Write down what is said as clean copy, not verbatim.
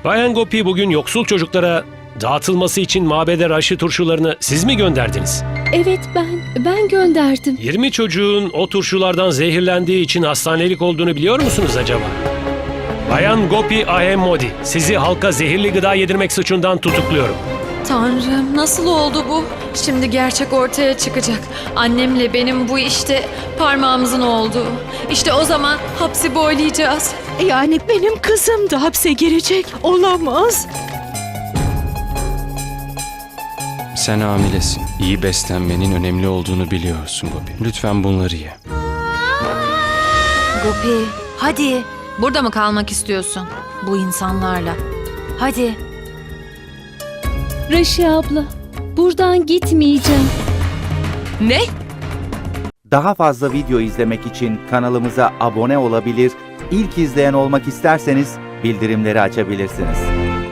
Bayan Gopi, bugün yoksul çocuklara dağıtılması için mabede raşı turşularını siz mi gönderdiniz? Evet, ben gönderdim. 20 çocuğun o turşulardan zehirlendiği için hastanelik olduğunu biliyor musunuz acaba? Bayan Gopi Ahemmodi, sizi halka zehirli gıda yedirmek suçundan tutukluyorum. Tanrım, nasıl oldu bu? Şimdi gerçek ortaya çıkacak. Annemle benim bu işte parmağımızın olduğu. İşte o zaman hapsi boylayacağız. Yani benim kızım da hapse girecek. Olamaz. Sen hamilesin. İyi beslenmenin önemli olduğunu biliyorsun Gopi. Lütfen bunları ye. Gopi, hadi. Burada mı kalmak istiyorsun? Bu insanlarla. Hadi. Raşi abla, buradan gitmeyeceğim. Ne? Daha fazla video izlemek için kanalımıza abone olabilir, ilk izleyen olmak isterseniz bildirimleri açabilirsiniz.